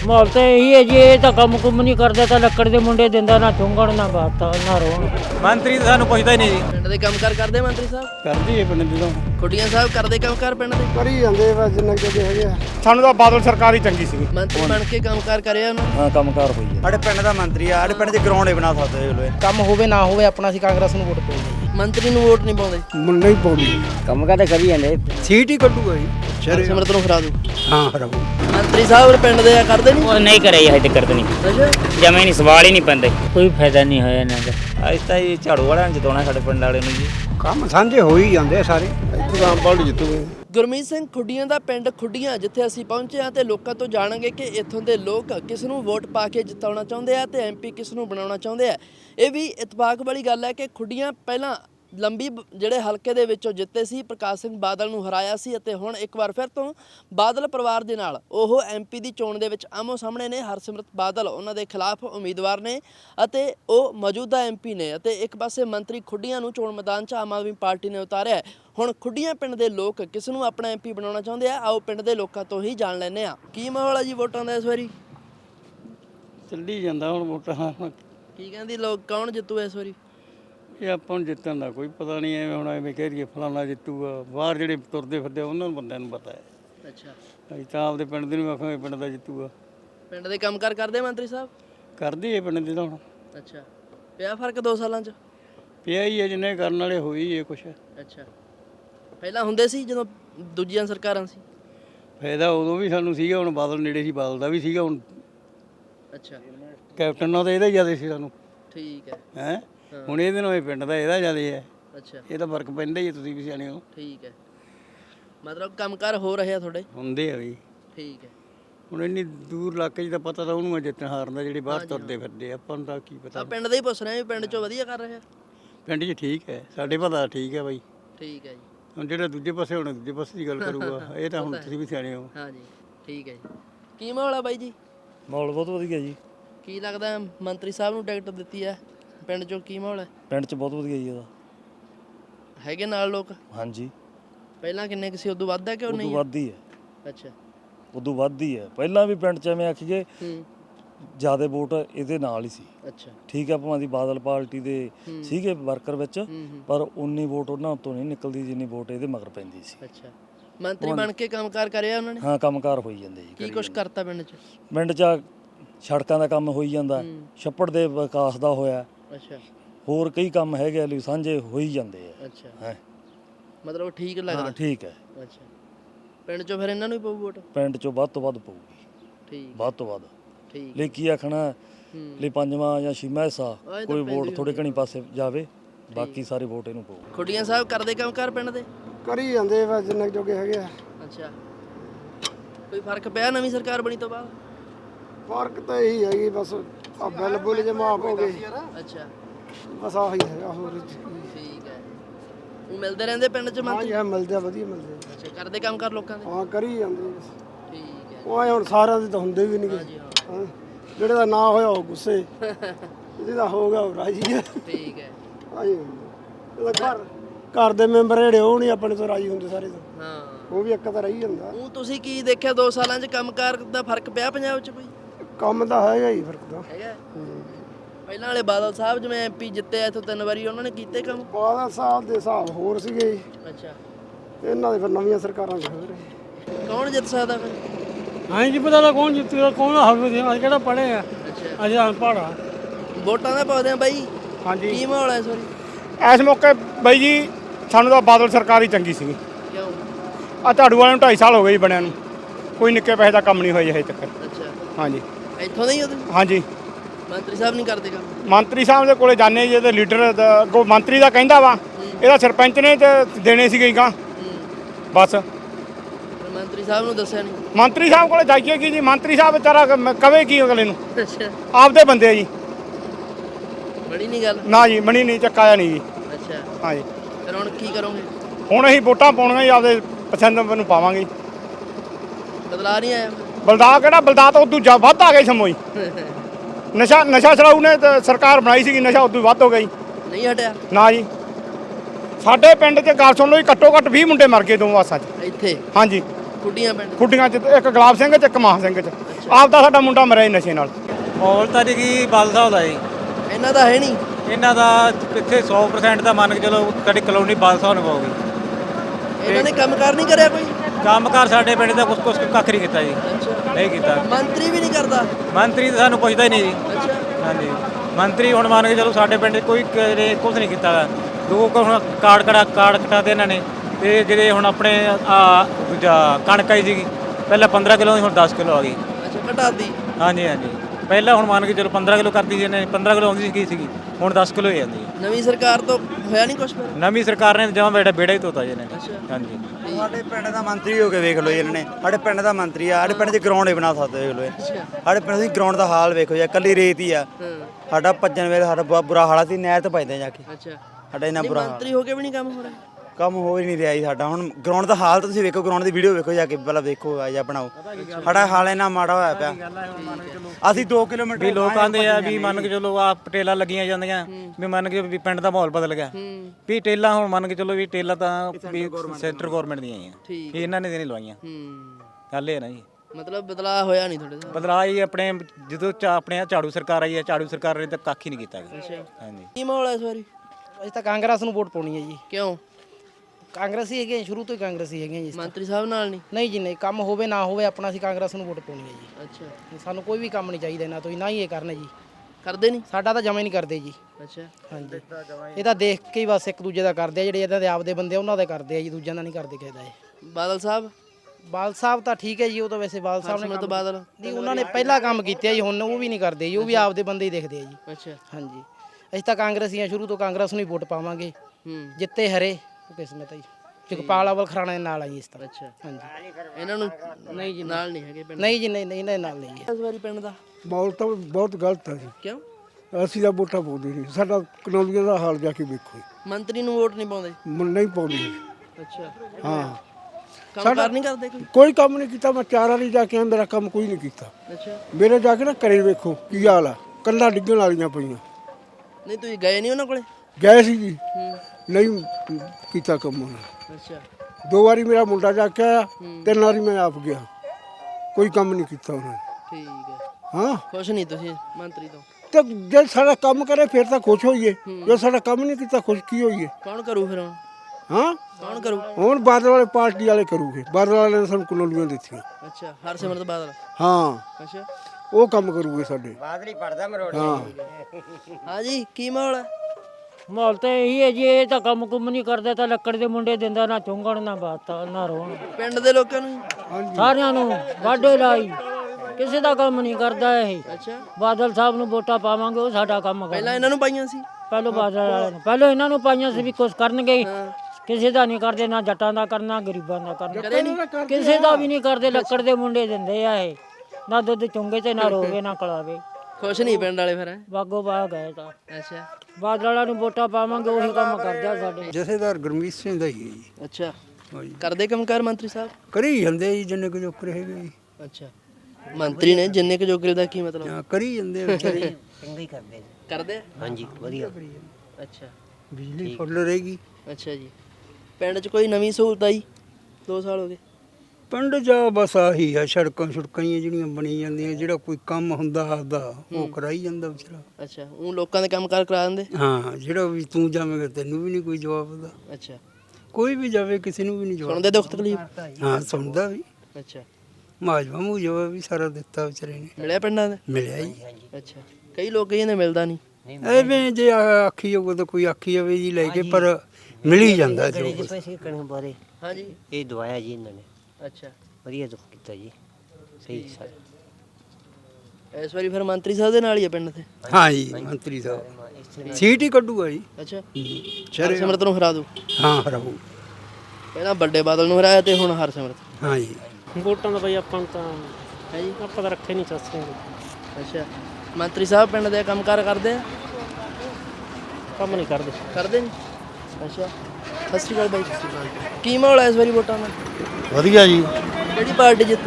ਮਾਹੌਲ ਤਾਂ ਇਹੀ ਹੈ ਜੀ, ਇਹ ਤਾਂ ਕੰਮ ਕੁੰਮ ਨਹੀਂ ਕਰਦੇ ਤਾਂ ਲੱਕੜ ਦੇ ਮੁੰਡੇ ਦਿੰਦਾ ਨਾ ਚੁੰਗਣ ਨਾ ਬਾਤਾਂ ਨਾ ਰੋਣ। ਮੰਤਰੀ ਤਾਂ ਸਾਨੂੰ ਪੁੱਛਦਾ ਹੀ ਨਹੀਂ ਜੀ। ਪਿੰਡ ਦੇ ਕੰਮਕਾਰ ਕਰਦੇ ਮੰਤਰੀ ਸਾਹਿਬ? ਕਰਦੀ ਹੈ ਪਿੰਡ ਦੀ ਤਾਂ ਖੁੱਡੀਆਂ ਸਾਹਿਬ ਕਰਦੇ ਕੰਮਕਾਰ ਪਿੰਡ ਦੇ? ਕਰੀ ਜਾਂਦੇ ਬਸ ਜਿੰਨਾ ਕੁ ਹੈਗੇ ਆ। ਸਾਨੂੰ ਤਾਂ ਬਾਦਲ ਸਰਕਾਰ ਹੀ ਚੰਗੀ ਸੀਗੀ। ਮੰਤਰੀ ਬਣ ਕੇ ਕੰਮਕਾਰ ਕਰਿਆ ਉਹਨਾਂ ਹਾਂ ਕੰਮਕਾਰ ਹੋਈ ਹੈ। ਸਾਡੇ ਪਿੰਡ ਦਾ ਮੰਤਰੀ ਆ, ਸਾਡੇ ਪਿੰਡ 'ਚ ਗਰਾਊਂਡ ਹੀ ਬਣਾ ਸਕਦੇ ਲੋਏ। ਕੰਮ ਹੋਵੇ ਨਾ ਹੋਵੇ ਆਪਣਾ ਅਸੀਂ ਕਾਂਗਰਸ ਨੂੰ ਵੋਟ ਪਾਉਂਦੇ ਜੀ। ਮੰਤਰੀ ਨੂੰ ਵੋਟ ਨਹੀਂ ਪਾਉਂਦੇ? ਨਹੀਂ ਪਾਉਂਦੀ ਕੰਮ ਕਰਦੇ ਕਰੀ ਜਾਂਦੇ। ਸੀਟ ਹੀ ਕੱਢੂਗਾ ਜੀ ਸਿਮਰਤ ਨੂੰ ਫਰਾ ਦੂ। ਹਾਂ ਹਰਾਬੂ ਮੰਤਰੀ ਸਾਹਿਬ ਪਿੰਡ ਦੇ ਕਰਦੇ ਨਹੀਂ? ਉਹ ਨਹੀਂ ਕਰੇ ਹਜੇ ਤੱਕ ਨਹੀਂ, ਅੱਛਾ, ਜਮੇ ਨਹੀਂ, ਸਵਾਲ ਹੀ ਨਹੀਂ ਪੈਂਦੇ, ਕੋਈ ਫਾਇਦਾ ਨਹੀਂ ਹੋਇਆ ਇਹਨਾਂ ਦਾ। ਅੱਜ ਤਾਂ ਇਹ ਝਾੜੂ ਵਾਲਿਆਂ ਨੂੰ ਜਿਤਾਉਣਾ ਸਾਡੇ ਪਿੰਡ ਵਾਲੇ ਨੂੰ ਜੀ। ਕੰਮ ਸਾਂਝੇ ਹੋ ਹੀ ਜਾਂਦੇ ਸਾਰੇ। ਇੱਥੇ ਤਾਂ ਪਾਰਟੀ ਜਿੱਤੂਗੇ। ਗੁਰਮੀਤ ਸਿੰਘ ਖੁੱਡੀਆਂ ਦਾ ਪਿੰਡ ਖੁੱਡੀਆਂ, ਜਿੱਥੇ ਅਸੀਂ ਪਹੁੰਚੇ ਹਾਂ ਤੇ ਲੋਕਾਂ ਤੋਂ ਜਾਣਾਂਗੇ ਕਿ ਇੱਥੋਂ ਦੇ ਲੋਕ ਕਿਸ ਨੂੰ ਵੋਟ ਪਾ ਕੇ ਜਿਤਾਉਣਾ ਚਾਹੁੰਦੇ ਆ ਤੇ ਐਮਪੀ ਕਿਸ ਨੂੰ ਬਣਾਉਣਾ ਚਾਹੁੰਦੇ ਆ। ਇਹ ਵੀ ਇਤਫਾਕ ਵਾਲੀ ਗੱਲ ਹੈ ਕਿ ਖੁੱਡੀਆਂ ਪਹਿਲਾਂ ਲੰਬੀ ਜਿਹੜੇ ਹਲਕੇ ਦੇ ਵਿੱਚੋਂ ਜਿੱਤੇ ਸੀ, ਪ੍ਰਕਾਸ਼ ਸਿੰਘ ਬਾਦਲ ਨੂੰ ਹਰਾਇਆ ਸੀ ਅਤੇ ਹੁਣ ਇੱਕ ਵਾਰ ਫਿਰ ਤੋਂ ਬਾਦਲ ਪਰਿਵਾਰ ਦੇ ਨਾਲ ਉਹ ਐਮਪੀ ਦੀ ਚੋਣ ਦੇ ਵਿੱਚ ਆਮੋ ਸਾਹਮਣੇ ਨੇ। ਹਰਸਿਮਰਤ ਬਾਦਲ ਉਹਨਾਂ ਦੇ ਖਿਲਾਫ ਉਮੀਦਵਾਰ ਨੇ ਅਤੇ ਉਹ ਮੌਜੂਦਾ ਐਮਪੀ ਨੇ ਅਤੇ ਇੱਕ ਪਾਸੇ ਮੰਤਰੀ ਖੁੱਡੀਆਂ ਨੂੰ ਚੋਣ ਮੈਦਾਨ 'ਚ ਆਮ ਆਦਮੀ ਪਾਰਟੀ ਨੇ ਉਤਾਰਿਆ। ਹੁਣ ਖੁੱਡੀਆਂ ਪਿੰਡ ਦੇ ਲੋਕ ਕਿਸ ਨੂੰ ਆਪਣਾ ਐਮਪੀ ਬਣਾਉਣਾ ਚਾਹੁੰਦੇ ਆ, ਆਓ ਪਿੰਡ ਦੇ ਲੋਕਾਂ ਤੋਂ ਹੀ ਜਾਣ ਲੈਂਦੇ ਆ। ਕੀ ਮਾਹੌਲ ਹੈ ਜੀ ਵੋਟਾਂ ਦਾ ਇਸ ਵਾਰੀ? ਚੱਲੀ ਜਾਂਦਾ ਹੁਣ ਵੋਟਾਂ। ਕੀ ਕਹਿੰਦੀ ਲੋਕ, ਕੌਣ ਜਿੱਤੂ ਇਸ ਵਾਰੀ? ਇਹ ਆਪਾਂ ਨੂੰ ਜਿੱਤਣ ਦਾ ਕੋਈ ਪਤਾ ਨਹੀਂ, ਐਵੇਂ ਹੁਣ ਐਵੇਂ ਕਹਿ ਰਹੀਏ ਫਲਾਣਾ ਜਿੱਤੂਗਾ। ਬਾਹਰ ਜਿਹੜੇ ਤੁਰਦੇ ਫਿਰਦੇ ਉਹਨਾਂ ਨੂੰ ਬੰਦਿਆਂ ਨੂੰ ਪਤਾ ਹੈ। ਅੱਛਾ, ਅਸੀਂ ਤਾਂ ਆਪਦੇ ਪਿੰਡ ਦੇ ਨੂੰ ਆਖਾਂਗੇ ਪਿੰਡ ਦਾ ਜਿੱਤੂਗਾ। ਪਿੰਡ ਦੇ ਕੰਮਕਾਰ ਕਰਦੇ ਮੰਤਰੀ ਸਾਹਿਬ? ਕਰਦੀ ਹੈ ਪਿੰਡ ਦੀ ਤਾਂ ਹੁਣ। ਅੱਛਾ, ਪਿਆ ਫਰਕ 2 ਸਾਲਾਂ 'ਚ? ਪਿਆ ਹੀ ਹੈ, ਜਿੰਨੇ ਕਰਨ ਵਾਲੇ ਹੋਈ ਇਹ ਕੁਛ। ਅੱਛਾ, ਪਹਿਲਾਂ ਹੁੰਦੇ ਸੀ ਜਦੋਂ ਦੂਜੀਆਂ ਸਰਕਾਰਾਂ ਸੀ? ਫਾਇਦਾ ਉਦੋਂ ਵੀ ਸਾਨੂੰ ਸੀਗਾ, ਹੁਣ ਬਾਦਲ ਨੇੜੇ ਸੀ, ਬਾਦਲ ਦਾ ਵੀ ਸੀਗਾ। ਹੁਣ ਅੱਛਾ, ਕੈਪਟਨ ਨਾਲ ਤਾਂ ਇਹਦਾ ਹੀ ਜ਼ਿਆਦਾ ਸੀ ਸਾਨੂੰ। ਠੀਕ ਹੈ। ਹੈ ਹੁਣ ਇਹਦੇ ਨਾਲ ਪਿੰਡ ਦਾ ਇਹਦਾ ਜ਼ਿਆਦਾ ਹੈ। ਅੱਛਾ, ਇਹ ਤਾਂ ਫਰਕ ਪੈਂਦਾ ਹੀ ਹੈ, ਤੁਸੀਂ ਵੀ ਸਿਆਣੇ ਹੋ। ਠੀਕ ਹੈ, ਮਤਲਬ ਕੰਮਕਾਰ ਹੋ ਰਿਹਾ ਤੁਹਾਡੇ? ਹੁੰਦੇ ਆ ਵੀ। ਠੀਕ ਹੈ। ਹੁਣ ਇੰਨੀ ਦੂਰ ਇਲਾਕੇ 'ਚ ਤਾਂ ਪਤਾ ਤਾਂ ਉਹਨੂੰ ਜਿੱਤਣ ਹਾਰਨ ਦਾ, ਜਿਹੜੇ ਬਾਹਰ ਤੁਰਦੇ ਫਿਰਦੇ ਆ, ਆਪਾਂ ਨੂੰ ਤਾਂ ਕੀ ਪਤਾ। ਆ ਪਿੰਡ ਦੇ ਹੀ ਪੁੱਛ ਰਹੇ ਆ ਵੀ ਪਿੰਡ 'ਚੋਂ ਵਧੀਆ ਕਰ ਰਿਹਾ? ਪਿੰਡ 'ਚ ਠੀਕ ਹੈ, ਸਾਡੇ ਪਤਾ ਠੀਕ ਹੈ ਬਾਈ। ਠੀਕ ਹੈ ਜੀ। ਹੁਣ ਜਿਹੜਾ ਦੂਜੇ ਪਾਸੇ ਹੁਣ ਦੂਜੇ ਪਾਸੇ ਦੀ ਗੱਲ ਕਰੂਗਾ, ਇਹ ਤਾਂ ਹੁਣ ਤੁਸੀਂ ਵੀ ਸਿਆਣੇ ਹੋ। ਹਾਂ ਜੀ, ਠੀਕ ਹੈ ਜੀ। ਕੀ ਮਾਹੌਲ ਆ ਬਾਈ ਜੀ? ਮਾਹੌਲ ਬਹੁਤ ਵਧੀਆ ਜੀ। ਕੀ ਲੱਗਦਾ ਮੰਤਰੀ ਸਾਹਿਬ ਨੂੰ ਟਿਕਟ ਦਿੱਤੀ ਹੈ, ਪਿੰਡ 'ਚੋਂ ਕੀ ਮਾਹੌਲ ਹੈ? ਪਿੰਡ 'ਚ ਬਹੁਤ ਵਧੀਆ ਜੀ ਉਹਦਾ। ਹੈਗੇ ਨਾਲ ਲੋਕ? ਹਾਂਜੀ, ਪਹਿਲਾਂ ਕਿੰਨੇ ਕੁ ਸੀ, ਉਦੋਂ ਵੱਧ ਹੈ ਕਿ ਉਹ ਉਦੋਂ ਨਹੀਂ? ਵੱਧ ਹੀ ਹੈ। ਅੱਛਾ। ਉਦੋਂ ਵੱਧ ਹੀ ਹੈ। ਪਹਿਲਾਂ ਵੀ ਪਿੰਡ 'ਚ ਐਵੇਂ ਆਖੀਏ ਜਿਆਦਾ ਵੋਟ ਇਹਦੇ ਨਾਲ ਹੀ ਸੀ। ਅੱਛਾ। ਠੀਕ ਹੈ, ਭਾਵੇਂ ਦੀ ਬਾਦਲ ਪਾਰਟੀ ਦੇ ਸੀਗੇ ਵਰਕਰ ਵਿੱਚ, ਪਰ ਉਨੀ ਵੋਟ ਉਹਨਾਂ ਤੋਂ ਨਹੀਂ ਨਿਕਲਦੀ ਜਿੰਨੀ ਵੋਟ ਇਹਦੇ ਮਗਰ ਪੈਂਦੀ ਸੀ। ਅੱਛਾ, ਮੰਤਰੀ ਬਣ ਕੇ ਕੰਮਕਾਰ ਕਰਿਆ ਉਹਨਾਂ ਨੇ? ਹਾਂ ਕੰਮਕਾਰ ਹੋਈ ਜਾਂਦੇ ਜੀ। ਕੀ ਕੁਛ ਕਰਤਾ ਪਿੰਡ 'ਚ? ਪਿੰਡ 'ਚ ਸੜਕਾਂ ਦਾ ਕੰਮ ਹੋਈ ਜਾਂਦਾ, ਛੱਪੜ ਦੇ ਵਿਕਾਸ ਦਾ ਹੋਇਆ, ਅੱਛਾ। ਹੋਰ ਕਈ ਕੰਮ ਹੈਗੇ ਲਈ ਸਾਂਝੇ ਹੋਈ ਜਾਂਦੇ ਆ। ਅੱਛਾ, ਹੈ ਮਤਲਬ ਠੀਕ ਲੱਗਦਾ? ਹਾਂ ਠੀਕ ਹੈ। ਅੱਛਾ, ਪਿੰਡ 'ਚੋਂ ਫਿਰ ਇਹਨਾਂ ਨੂੰ ਹੀ ਪਊ ਵੋਟ? ਪਿੰਡ 'ਚੋਂ ਵੱਧ ਤੋਂ ਵੱਧ ਪਊਗੀ, ਠੀਕ ਵੱਧ ਤੋਂ ਵੱਧ। ਠੀਕ। ਲਈ ਕੀ ਆਖਣਾ, ਲਈ ਪੰਜਵਾਂ ਜਾਂ ਛੇਵਾਂ ਹਿੱਸਾ ਕੋਈ ਵੋਟ ਥੋੜੇ ਘਣੀ ਪਾਸੇ ਜਾਵੇ, ਬਾਕੀ ਸਾਰੇ ਵੋਟ ਇਹਨੂੰ ਪਊ। ਖੁੱਡੀਆਂ ਸਾਹਿਬ ਕਰਦੇ ਕੰਮਕਾਰ ਪਿੰਡ ਦੇ? ਕਰੀ ਜਾਂਦੇ ਬਸ ਜਿੰਨਾ ਕੁ ਜੋਗੇ ਹੈਗੇ ਆ। ਅੱਛਾ, ਕੋਈ ਫਰਕ ਪਿਆ ਨਵੀਂ ਸਰਕਾਰ ਬਣੀ ਤੋਂ ਬਾਅਦ? ਫਰਕ ਤਾਂ ਇਹੀ ਹੈਗੀ ਬਸ ਆ ਬਿੱਲ ਬੁੱਲ ਜੇ ਮਾਫ ਹੋ ਗਏ, ਅੱਛਾ, ਬਸ ਆਹੀ ਹੈਗਾ, ਹੋਰ ਠੀਕ ਹੈ। ਉਹ ਮਿਲਦੇ ਰਹਿੰਦੇ ਪਿੰਡ 'ਚ ਹਾਂ ਮੰਤਰੀ? ਜੀ ਮਿਲਦੇ ਆ, ਵਧੀਆ ਮਿਲਦੇ ਆ। ਅੱਛਾ, ਕਰਦੇ ਕੰਮਕਾਰ ਲੋਕਾਂ ਦੇ? ਹਾਂ ਕਰੀ ਜਾਂਦੇ ਬਸ। ਠੀਕ ਹੈ। ਉਹ ਆਏ ਹੁਣ ਸਾਰਿਆਂ ਦੇ ਤਾਂ ਹੁੰਦੇ ਵੀ ਨਹੀਂ ਹਾਂਜੀ, ਹਾਂ। ਹਾਂ, ਜਿਹੜੇ ਦਾ ਨਾ ਹੋਇਆ ਉਹ ਗੁੱਸੇ, ਜਿਹਦਾ ਹੋ ਗਿਆ ਉਹ ਰਾਜੀ ਹੈ। ਠੀਕ ਹੈ। ਹਾਂਜੀ, ਇਹਦਾ ਘਰ ਦੇ ਮੈਂਬਰ ਜਿਹੜੇ ਉਹ ਨਹੀਂ ਆਪਣੇ ਤੋਂ ਰਾਜੀ ਹੁੰਦੇ ਸਾਰੇ ਤੋਂ, ਹਾਂ, ਉਹ ਵੀ ਇੱਕ ਤਾਂ ਰਹੀ ਜਾਂਦਾ। ਉਹ ਤੁਸੀਂ ਕੀ ਦੇਖਿਆ 2 ਸਾਲਾਂ 'ਚ ਕੰਮਕਾਰ ਦਾ ਫਰਕ ਪਿਆ ਪੰਜਾਬ 'ਚ ਕੋਈ? ਕੰਮ ਤਾਂ ਹੈਗਾ ਹੀ ਫਰਕ ਤਾਂ। ਹੈਗਾ। ਪਹਿਲਾਂ ਵਾਲੇ ਬਾਦਲ ਸਾਹਿਬ ਜਿਵੇਂ ਐਮਪੀ ਜਿੱਤੇ ਇੱਥੋਂ 3 ਵਾਰੀ, ਉਹਨਾਂ ਨੇ ਕੀਤੇ ਕੰਮ? ਬਾਦਲ ਸਾਹਿਬ ਦੇ ਹਿਸਾਬ ਹੋਰ ਸੀਗੇ ਜੀ, ਅੱਛਾ। ਇਹਨਾਂ ਦੇ ਫਿਰ ਨਵੀਆਂ ਸਰਕਾਰਾਂ ਦੇ ਹੋ ਰਹੇ। ਕੌਣ ਜਿੱਤ ਸਕਦਾ ਫਿਰ? ਹਾਂ ਜੀ, ਪਤਾ ਤਾਂ ਕੌਣ ਜਿੱਤੂਗਾ, ਕੌਣ ਹਾਰੂ ਦੇ। ਅੱਜ ਕਿਹੜਾ ਪੜ੍ਹੇ ਆ, ਅੱਛਾ, ਅੱਜ ਅਨਪੜ੍ਹ ਆ। ਵੋਟਾਂ ਦਾ ਪਾਉਂਦੇ ਆ ਬਾਈ? ਹਾਂਜੀ, ਕੀ ਮਾਹੌਲ ਹੈ ਇਸ ਵਾਰੀ? ਇਸ ਮੌਕੇ ਬਾਈ ਜੀ ਸਾਨੂੰ ਤਾਂ ਬਾਦਲ ਸਰਕਾਰ ਹੀ ਚੰਗੀ ਸੀਗੀ। ਕਿਉਂ? ਆ ਝਾੜੂ ਵਾਲਿਆਂ ਨੂੰ 2.5 ਸਾਲ ਹੋ ਗਏ ਜੀ ਬਣਿਆ ਨੂੰ, ਕੋਈ ਨਿੱਕੇ ਪੈਸੇ ਦਾ ਕੰਮ ਨਹੀਂ ਹੋਇਆ ਹਜੇ ਤੱਕ। ਅੱਛਾ, ਹਾਂਜੀ ਇੱਥੋਂ ਦੇ ਹੀ ਹੋ ਤੁਸੀਂ? ਹਾਂਜੀ, ਮੰਤਰੀ ਸਾਹਿਬ ਨਹੀਂ ਕਰਦੇ ਕੰਮ? ਮੰਤਰੀ ਸਾਹਿਬ ਦੇ ਕੋਲੇ ਜਾਂਦੇ ਜੀ, ਤੇ ਲੀਡਰ ਅੱਗੋਂ ਮੰਤਰੀ ਦਾ ਕਹਿੰਦਾ ਵਾ, ਇਹਦਾ ਸਰਪੰਚ ਨੇ ਤੇ ਦੇਣੇ ਸੀਗੇ ਗਾ ਬਸ। ਫਿਰ ਮੰਤਰੀ ਸਾਹਿਬ ਨੂੰ ਦੱਸਿਆ ਨਹੀਂ? ਮੰਤਰੀ ਸਾਹਿਬ ਕੋਲੇ ਜਾਈਏ ਕੀ ਜੀ, ਮੰਤਰੀ ਸਾਹਿਬ ਵਿਚਾਰਾ ਕਵੇ ਕੀ ਅਗਲੇ ਨੂੰ, ਅੱਛਾ, ਆਪਦੇ ਬੰਦੇ ਆ ਜੀ। ਬੜੀ ਨਹੀਂ ਗੱਲ? ਨਾ ਜੀ, ਮਣੀ ਨਹੀਂ ਚੱਕਾਇਆ ਨਹੀਂ ਜੀ। ਅੱਛਾ, ਹਾਂਜੀ, ਫਿਰ ਹੁਣ ਕੀ ਕਰੋਗੇ? ਹੁਣ ਅਸੀਂ ਵੋਟਾਂ ਪਾਉਣੀਆਂ ਜੀ, ਆਪਦੇ ਪਸੰਦ ਨੂੰ ਪਾਵਾਂਗੇ। ਬਦਲਾ ਨਹੀਂ ਆਇਆ? ਬਲਦਾ ਕਿਹੜਾ, ਬਲਦਾ ਤਾਂ ਉਦੋਂ ਵੱਧ ਆ ਗਏ ਸਮੋਈ। ਨਸ਼ਾ ਛਡਾਊ ਨੇ ਤਾਂ ਸਰਕਾਰ ਬਣਾਈ ਸੀਗੀ, ਨਸ਼ਾ ਉਦੋਂ ਵੱਧ ਹੋ ਗਈ। ਨਹੀਂ ਹਟਿਆ? ਨਾ ਜੀ, ਸਾਡੇ ਪਿੰਡ 'ਚ ਗੱਲ ਸੁਣ ਲਓ ਜੀ, ਘੱਟੋ ਘੱਟ 20 ਮੁੰਡੇ ਮਰ ਗਏ 2 ਵਾਸਾਂ 'ਚ। ਇੱਥੇ ਹਾਂਜੀ, ਖੁੱਡੀਆਂ ਪਿੰਡ? ਖੁੱਡੀਆਂ 'ਚ ਇੱਕ ਗੁਲਾਬ ਸਿੰਘ 'ਚ, ਇੱਕ ਮਾਹ ਸਿੰਘ 'ਚ। ਆਪਦਾ ਸਾਡਾ ਮੁੰਡਾ ਮਰਿਆ ਜੀ ਨਸ਼ੇ ਨਾਲ। ਮਾਹੌਲ ਤਾਂ ਜੀ ਬਾਦਲ ਸਾਹਿਬ ਦਾ ਜੀ, ਇਹਨਾਂ ਦਾ ਹੈ ਨਹੀਂ। ਇਹਨਾਂ ਦਾ ਇੱਥੇ 100% ਦਾ ਮੰਨ ਕੇ ਚਲੋ ਸਾਡੀ ਕਲੋਨੀ ਬਾਦਲ ਸਾਹਿਬ ਨੂੰ ਪਾਉਗੀ। ਇਹਨਾਂ ਨੇ ਕੰਮਕਾਰ ਨਹੀਂ ਕਰਿਆ ਕੋਈ? ਕੰਮਕਾਰ ਸਾਡੇ ਪਿੰਡ ਦਾ ਕੁਛ ਕੱਖ ਨਹੀਂ ਕੀਤਾ ਜੀ, ਨਹੀਂ ਕੀਤਾ। ਮੰਤਰੀ ਵੀ ਨਹੀਂ ਕਰਦਾ? ਮੰਤਰੀ ਤਾਂ ਸਾਨੂੰ ਪੁੱਛਦਾ ਹੀ ਨਹੀਂ ਜੀ। ਅੱਛਾ, ਹਾਂਜੀ, ਮੰਤਰੀ ਹੁਣ ਮੰਨ ਕੇ ਚਲੋ ਸਾਡੇ ਪਿੰਡ 'ਚ ਕੋਈ ਕੁਛ ਨਹੀਂ ਕੀਤਾ ਗਾ। ਲੋਕ ਹੁਣ ਕਾਰਡ ਕਟਾ ਦੇ ਇਹਨਾਂ ਨੇ। ਤੇ ਜਿਹੜੇ ਹੁਣ ਆਪਣੇ ਦੂਜਾ ਕਣਕ ਆਈ ਸੀਗੀ ਪਹਿਲਾਂ 15 ਕਿਲੋ ਦੀ, ਹੁਣ 10 ਕਿਲੋ ਆ ਗਈ। ਅੱਛਾ, ਘਟਾਤੀ। ਹਾਂਜੀ ਹਾਂਜੀ, ਪਹਿਲਾਂ ਹੁਣ ਮੰਨ ਕੇ ਚਲੋ 15 ਕਿਲੋ ਕਰਦੀ ਸੀ ਇਹਨੇ, 15 ਕਿਲੋ ਆਉਂਦੀ ਸੀਗੀ, ਹੁਣ 10 ਕਿਲੋ ਹੀ ਆਉਂਦੀ ਹੈ। ਨਵੀਂ ਸਰਕਾਰ ਤੋਂ ਹੋਇਆ ਨਹੀਂ ਕੁਛ ਫਿਰ? ਨਵੀਂ ਸਰਕਾਰ ਨੇ ਜਮਾਂ ਬੇੜਾ ਹੀ ਧੋਤਾ ਜੀ ਇਹਨਾਂ ਨੇ। ਹਾਂਜੀ, ਸਾਡੇ ਪਿੰਡ ਦਾ ਮੰਤਰੀ ਹੋ ਕੇ ਵੇਖ ਲਓ ਜੀ ਇਹਨਾਂ ਨੇ। ਸਾਡੇ ਪਿੰਡ ਦਾ ਮੰਤਰੀ ਆ, ਸਾਡੇ ਪਿੰਡ 'ਚ ਗਰਾਊਂਡ ਹੀ ਬਣਾ ਸਕਦੇ ਵੇਖ ਲਓ ਇਹ। ਸਾਡੇ ਪਿੰਡ ਦੀ ਗਰਾਊਂਡ ਦਾ ਹਾਲ ਵੇਖੋ ਜੀ, ਇਕੱਲੀ ਰੇਤ ਹੀ ਆ। ਸਾਡਾ ਭੱਜਣ ਵੇਲੇ ਸਾਡਾ ਬਹੁਤ ਬੁਰਾ ਹਾਲ ਸੀ, ਨਹਿਰ ਤੇ ਭੱਜਦੇ ਜਾ ਕੇ। ਅੱਛਾ, ਸਾਡਾ ਇੰਨਾ ਬੁਰਾ ਹਾਲ, ਮੰਤਰੀ ਹੋ ਕੇ ਵੀ ਨਹੀਂ ਕੰਮ ਹੋ ਰਿਹਾ? ਕੰਮ ਹੋ ਹੀ ਨਹੀਂ ਰਿਹਾ ਜੀ ਸਾਡਾ। ਹੁਣ ਗਰਾਊਂਡ ਦਾ ਹਾਲ ਤਾਂ ਤੁਸੀਂ ਵੇਖੋ, ਗਰਾਊਂਡ ਦੀ ਵੀਡੀਓ ਵੇਖੋ ਜਾ ਕੇ, ਪਹਿਲਾਂ ਵੇਖੋ ਆ ਜਾਂ ਬਣਾਓ। ਸਾਡਾ ਹਾਲ ਇੰਨਾ ਮਾੜਾ ਹੋਇਆ ਪਿਆ। ਅਸੀਂ 2 ਕਿਲੋਮੀਟਰ ਵੀ ਲੋਕ ਆਂਦੇ ਆ ਵੀ ਮੰਨ ਕੇ ਚਲੋ ਆ ਪਟੇਲਾਂ ਲੱਗੀਆਂ ਜਾਂਦੀਆਂ, ਵੀ ਮੰਨ ਕੇ ਵੀ ਪਿੰਡ ਦਾ ਮਾਹੌਲ ਬਦਲ ਗਿਆ। ਵੀ ਟੇਲਾਂ ਹੁਣ ਮੰਨ ਕੇ ਚਲੋ ਵੀ ਟੇਲਾਂ ਤਾਂ ਵੀ ਸੈਂਟਰ ਗਵਰਨਮੈਂਟ ਦੀਆਂ ਆਈਆਂ, ਵੀ ਇਹਨਾਂ ਨੇ ਨਹੀਂ ਲਵਾਈਆਂ। ਗੱਲ ਇਹ ਨਾ ਜੀ, ਮਤਲਬ ਬਦਲਾਅ ਹੋਇਆ ਨਹੀਂ ਤੁਹਾਡੇ ਦਾ? ਬਦਲਾਅ ਹੀ ਆਪਣੇ ਜਦੋਂ ਆਪਣੇ ਝਾੜੂ ਸਰਕਾਰ ਆਈ ਹੈ, ਝਾੜੂ ਸਰਕਾਰ ਨੇ ਤਾਂ ਕੱਖ ਹੀ ਨਹੀਂ ਕੀਤਾ। ਹਾਂਜੀ, ਕੀ ਮਾਹੌਲ ਹੈ ਇਸ ਵਾਰੀ? ਅਸੀਂ ਤਾਂ ਕਾਂਗਰਸ ਨੂੰ ਵੋਟ ਪਾਉਣੀ ਹੈ ਜੀ। ਕਿਉਂ? ਕਾਂਗਰਸੀ ਹੈਗੇ ਸ਼ੁਰੂ ਤੋਂ ਹੀ ਕਾਂਗਰਸੀ ਹੈਗੇ ਜੀ। ਮੰਤਰੀ ਸਾਹਿਬ ਨਾਲ ਨਹੀਂ? ਨਹੀਂ ਜੀ ਨਹੀਂ, ਕੰਮ ਹੋਵੇ ਨਾ ਹੋਵੇ ਆਪਣਾ ਅਸੀਂ ਕਾਂਗਰਸ ਨੂੰ ਵੋਟ ਪਾਉਣੀ ਹੈ ਜੀ। ਅੱਛਾ, ਸਾਨੂੰ ਕੋਈ ਵੀ ਕੰਮ ਨਹੀਂ ਚਾਹੀਦਾ ਇਹਨਾਂ ਤੋਂ ਨਾ ਹੀ ਇਹ ਕਰਨ ਜੀ। ਕਰਦੇ ਨਹੀਂ? ਸਾਡਾ ਤਾਂ ਜਮਾ ਹੀ ਨਹੀਂ ਕਰਦੇ ਜੀ। ਅੱਛਾ, ਹਾਂਜੀ, ਇਹ ਤਾਂ ਦੇਖ ਕੇ ਹੀ ਬਸ ਇੱਕ ਦੂਜੇ ਦਾ ਕਰਦੇ ਆ। ਜਿਹੜੇ ਇਹਨਾਂ ਦੇ ਆਪਦੇ ਬੰਦੇ ਉਹਨਾਂ ਦੇ ਕਰਦੇ ਆ ਜੀ, ਦੂਜਿਆਂ ਦਾ ਨਹੀਂ ਕਰਦੇ ਕਿਸੇ ਦਾ ਇਹ। ਬਾਦਲ ਸਾਹਿਬ? ਬਾਦਲ ਸਾਹਿਬ ਤਾਂ ਠੀਕ ਹੈ ਜੀ, ਉਹ ਤਾਂ ਵੈਸੇ ਬਾਦਲ ਸਾਹਿਬ ਨੇ ਹਰਸਿਮਰਤ ਬਾਦਲ? ਨਹੀਂ, ਉਹਨਾਂ ਨੇ ਪਹਿਲਾਂ ਕੰਮ ਕੀਤੇ ਜੀ, ਹੁਣ ਉਹ ਵੀ ਨਹੀਂ ਕਰਦੇ ਜੀ। ਉਹ ਵੀ ਆਪਦੇ ਬੰਦੇ ਹੀ ਦੇਖਦੇ ਆ ਜੀ। ਅੱਛਾ, ਹਾਂਜੀ, ਅਸੀਂ ਤਾਂ ਕਾਂਗਰਸੀਆਂ ਸ਼ੁਰੂ ਤੋਂ ਕਾਂਗਰਸ ਨੂੰ ਹੀ ਵੋਟ ਪਾਵਾਂਗੇ। ਜਿੱਤੇ ਹਰੇ ਉਹ ਕਿਸਮਤ ਹੈ ਜੀ। ਜਗਪਾਲ ਅਵਲ ਖਰਾਣਾ ਦੇ ਨਾਲ ਆ ਜੀ ਇਸ ਤਰ੍ਹਾਂ। ਅੱਛਾ, ਹਾਂਜੀ, ਇਹਨਾਂ ਨੂੰ ਨਹੀਂ ਜੀ ਨਾਲ ਨਹੀਂ ਹੈਗੇ ਪਿੰਡ? ਨਹੀਂ ਜੀ ਨਹੀਂ ਨਹੀਂ, ਇਹਨਾਂ ਦੇ ਨਾਲ ਨਹੀਂ ਜੀ। ਇਸ ਵਾਰੀ ਪਿੰਡ ਦਾ ਮਾਹੌਲ ਤਾਂ ਬਹੁਤ ਗਲਤ ਹੈ ਜੀ। ਕਿਉਂ? ਅਸੀਂ ਤਾਂ ਵੋਟਾਂ ਪਾਉਂਦੇ ਨਹੀਂ। ਸਾਡਾ ਕਨੌਲੀਆਂ ਦਾ ਹਾਲ ਜਾ ਕੇ ਵੇਖੋ। ਮੰਤਰੀ ਨੂੰ ਵੋਟ ਨਹੀਂ ਪਾਉਂਦੇ? ਨਹੀਂ ਪਾਉਂਦੇ। ਅੱਛਾ, ਹਾਂ, ਕੰਮ ਕਰ ਨਹੀਂ ਕਰਦੇ ਕੋਈ? ਕੋਈ ਕੰਮ ਨਹੀਂ ਕੀਤਾ। ਮੈਂ 4 ਵਾਰੀ ਜਾ ਕੇ ਆਇਆ, ਮੇਰਾ ਕੰਮ ਕੋਈ ਨਹੀਂ ਕੀਤਾ। ਅੱਛਾ, ਮੇਰੇ ਜਾ ਕੇ ਨਾ ਘਰੇ ਵੇਖੋ ਕੀ ਹਾਲ ਆ, ਕੰਧਾਂ ਡਿੱਗਣ ਵਾਲੀਆਂ ਪਈਆਂ। ਨਹੀਂ ਤੁਸੀਂ ਗਏ ਨਹੀਂ ਉਹਨਾਂ ਕੋਲੇ? ਗਏ ਸੀ ਜੀ, ਨਹੀਂ ਕੀਤਾ ਕੰਮ ਉਹਨਾਂ। ਅੱਛਾ, 2 ਵਾਰੀ ਮੇਰਾ ਮੁੰਡਾ ਜਾ ਕੇ ਆਇਆ, 3 ਵਾਰੀ ਮੈਂ ਆਪ ਗਿਆ। ਕੋਈ ਕੰਮ ਨਹੀਂ ਕੀਤਾ ਉਹਨਾਂ ਨੇ। ਠੀਕ ਹੈ। ਹਾਂ, ਖੁਸ਼ ਨਹੀਂ ਤੁਸੀਂ ਮੰਤਰੀ ਤੋਂ? ਤੇ ਜੇ ਸਾਡਾ ਕੰਮ ਕਰੇ ਫਿਰ ਤਾਂ ਖੁਸ਼ ਹੋਈਏ। ਜੇ ਸਾਡਾ ਕੰਮ ਨਹੀਂ ਕੀਤਾ ਖੁਸ਼ ਕੀ ਹੋਈਏ? ਕੌਣ ਕਰੂ ਫਿਰ ਹੁਣ? ਹਾਂ, ਕੌਣ ਕਰੂ? ਹੁਣ ਬਾਦਲ ਵਾਲੇ ਪਾਰਟੀ ਵਾਲੇ ਕਰੂਗੇ। ਬਾਦਲ ਵਾਲਿਆਂ ਨੇ ਸਾਨੂੰ ਕਲੋਨੀਆਂ ਦਿੱਤੀਆਂ। ਅੱਛਾ, ਹਰਸਿਮਰਤ ਬਾਦਲ? ਹਾਂ, ਅੱਛਾ, ਉਹ ਕੰਮ ਕਰੂਗੇ ਸਾਡੇ। ਹਾਂ, ਹਾਂ ਜੀ, ਕੀ ਮਾਹੌਲ ਹੈ? ਮਾਹੌਲ ਤਾਂ ਇਹੀ ਹੈ ਜੀ, ਇਹ ਤਾਂ ਕੰਮ ਕੁੰਮ ਨਹੀਂ ਕਰਦੇ ਤਾਂ ਲੱਕੜ ਦੇ ਮੁੰਡੇ ਦਿੰਦਾ, ਨਾ ਚੁੰਗਣ ਨਾ ਬਾਤਾਂ ਨਾ ਰੋਣ। ਪਿੰਡ ਦੇ ਲੋਕਾਂ ਨੂੰ? ਸਾਰਿਆਂ ਨੂੰ ਵਾਢੇ ਲਾਈ, ਕਿਸੇ ਦਾ ਕੰਮ ਨਹੀਂ ਕਰਦਾ ਇਹ। ਅੱਛਾ, ਬਾਦਲ ਸਾਹਿਬ ਨੂੰ ਵੋਟਾਂ ਪਾਵਾਂਗੇ, ਉਹ ਸਾਡਾ ਕੰਮ ਕਰਦਾ। ਪਹਿਲਾਂ ਇਹਨਾਂ ਨੂੰ ਪਾਈਆਂ ਸੀ? ਪਹਿਲੋਂ ਬਾਦਲ ਵਾਲਿਆਂ ਨੂੰ, ਪਹਿਲੋਂ ਇਹਨਾਂ ਨੂੰ ਪਾਈਆਂ ਸੀ ਵੀ ਕੁਛ ਕਰਨਗੇ। ਕਿਸੇ ਦਾ ਨਹੀਂ ਕਰਦੇ, ਨਾ ਜੱਟਾਂ ਦਾ ਕਰਨਾ, ਗਰੀਬਾਂ ਦਾ ਕਰਨਾ, ਕਿਸੇ ਦਾ ਵੀ ਨਹੀਂ ਕਰਦੇ। ਲੱਕੜ ਦੇ ਮੁੰਡੇ ਦਿੰਦੇ ਆ ਇਹ, ਨਾ ਦੁੱਧ ਚੁੰਗੇ ਤੇ ਨਾ ਰੋਵੇ ਨਾ ਕਲਾਵੇ। ਖੁਸ਼ ਨਹੀਂ ਪਿੰਡ ਵਾਲੇ ਫਿਰ? ਬਾਗੋ ਬਾਗ ਗਏ ਤਾਂ। ਅੱਛਾ, ਬਾਦਲ ਵਾਲਿਆਂ ਨੂੰ ਵੋਟਾਂ ਪਾਵਾਂਗੇ, ਉਹੀ ਕੰਮ ਕਰਦੇ ਆ ਸਾਡੇ। ਜਥੇਦਾਰ ਗੁਰਮੀਤ ਸਿੰਘ ਦਾ ਹੀ ਹੈ ਜੀ। ਅੱਛਾ, ਕਰਦੇ ਕੰਮਕਾਰ ਮੰਤਰੀ ਸਾਹਿਬ? ਕਰੀ ਜਾਂਦੇ ਜੀ ਜਿੰਨੇ ਕੁ ਜੋਕਰ ਹੈਗੇ ਜੀ। ਅੱਛਾ, ਮੰਤਰੀ ਨੇ ਜਿੰਨੇ ਕੁ ਜੋਗਰੇ ਦਾ ਕੀ ਮਤਲਬ? ਕਰੀ ਜਾਂਦੇ ਵਿਚਾਰੇ। ਕਰਦੇ? ਹਾਂਜੀ, ਵਧੀਆ। ਅੱਛਾ, ਬਿਜਲੀ ਫੁੱਲ ਰਹੇਗੀ। ਅੱਛਾ ਜੀ। ਪਿੰਡ 'ਚ ਕੋਈ ਨਵੀਂ ਸਹੂਲਤ ਆਈ? 2 ਸਾਲ ਹੋ ਗਏ। ਪਿੰਡ ਜਾ ਬਸ ਆਹੀ ਆ, ਸੜਕਾਂ ਹੀ ਜਿਹੜੀਆਂ ਬਣੀ ਜਾਂਦੀਆਂ। ਜਿਹੜਾ ਕੋਈ ਕੰਮ ਹੁੰਦਾ ਆਪਦਾ ਉਹ ਕਰਾਈ ਜਾਂਦਾ ਵਿਚਾਰਾ। ਅੱਛਾ, ਉਹ ਲੋਕਾਂ ਦੇ ਕੰਮਕਾਰ ਕਰਾ ਦਿੰਦੇ? ਹਾਂ, ਜਿਹੜਾ ਵੀ ਤੂੰ ਜਾਵੇਂਗਾ ਤੈਨੂੰ ਵੀ ਨਹੀਂ ਕੋਈ ਜਵਾਬ ਉਹਦਾ। ਅੱਛਾ, ਕੋਈ ਵੀ ਜਾਵੇ ਕਿਸੇ ਨੂੰ ਵੀ ਨਹੀਂ ਜਵਾਬ। ਸੁਣਦੇ ਦੁੱਖ ਤਕਲੀਫ? ਹਾਂ, ਸੁਣਦਾ ਵੀ। ਅੱਛਾ, ਮਾਜਵਾ ਮੂਜਵਾ ਵੀ ਸਾਰਾ ਦਿੱਤਾ ਵਿਚਾਰੇ ਨੇ। ਮਿਲਿਆ ਪਿੰਡਾਂ ਦੇ? ਮਿਲਿਆ ਜੀ। ਅੱਛਾ, ਕਈ ਲੋਕ ਕਹਿੰਦੇ ਮਿਲਦਾ ਨਹੀਂ। ਐਵੇਂ ਜੇ ਆਖੀ ਜਾਊਗਾ ਤਾਂ ਕੋਈ ਆਖੀ ਜਾਵੇ ਜੀ ਲੈ ਕੇ, ਪਰ ਮਿਲ ਹੀ ਜਾਂਦਾ ਜੋ ਕੁਛ। ਪੈਸੇ ਕਣਕ ਬਾਰੇ ਹਾਂਜੀ, ਇਹ ਦਵਾਇਆ ਜੀ ਇਹਨਾਂ ਨੇ, ਅੱਛਾ। ਵਧੀਆ ਦੁੱਖ ਕੀਤਾ ਜੀ, ਸਹੀ ਸਰ। ਇਸ ਵਾਰੀ ਫਿਰ ਮੰਤਰੀ ਸਾਹਿਬ ਦੇ ਨਾਲ ਹੀ ਆ ਪਿੰਡ ਤੇ? ਹਾਂ ਜੀ, ਮੰਤਰੀ ਸਾਹਿਬ ਸੀਟ ਹੀ ਕੱਢੂਗਾ ਜੀ। ਅੱਛਾ, ਸ਼ਰੇ ਹਰਸਿਮਰਤ ਨੂੰ ਹਰਾ ਦੂ? ਹਾਂ, ਹਰਾਊ। ਪਹਿਲਾਂ ਵੱਡੇ ਬਾਦਲ ਨੂੰ ਹਰਾਇਆ ਤੇ ਹੁਣ ਹਰਸਿਮਰਤ। ਹਾਂ ਜੀ। ਵੋਟਾਂ ਦਾ ਬਈ ਆਪਾਂ ਨੂੰ ਤਾਂ ਹੈ ਜੀ, ਆਪਾਂ ਤਾਂ ਰੱਖੇ ਨਹੀਂ ਚਾਹੁੰਦੇ। ਅੱਛਾ, ਮੰਤਰੀ ਸਾਹਿਬ ਪਿੰਡ ਦੇ ਕੰਮਕਾਰ ਕਰਦੇ ਆ? ਕੰਮ ਨਹੀਂ ਕਰਦੇ। ਕਰਦੇ ਨਹੀਂ? ਅੱਛਾ, ਸਤਿ ਸ਼੍ਰੀ ਅਕਾਲ ਬਾਈ। ਕੀ ਮਾਹੌਲ ਹੈ ਇਸ ਵਾਰੀ ਵੋਟਾਂ ਦਾ? ਵਧੀਆ ਜੀ। ਕਿਹੜੀ ਪਾਰਟੀ ਜਿੱਤੂ?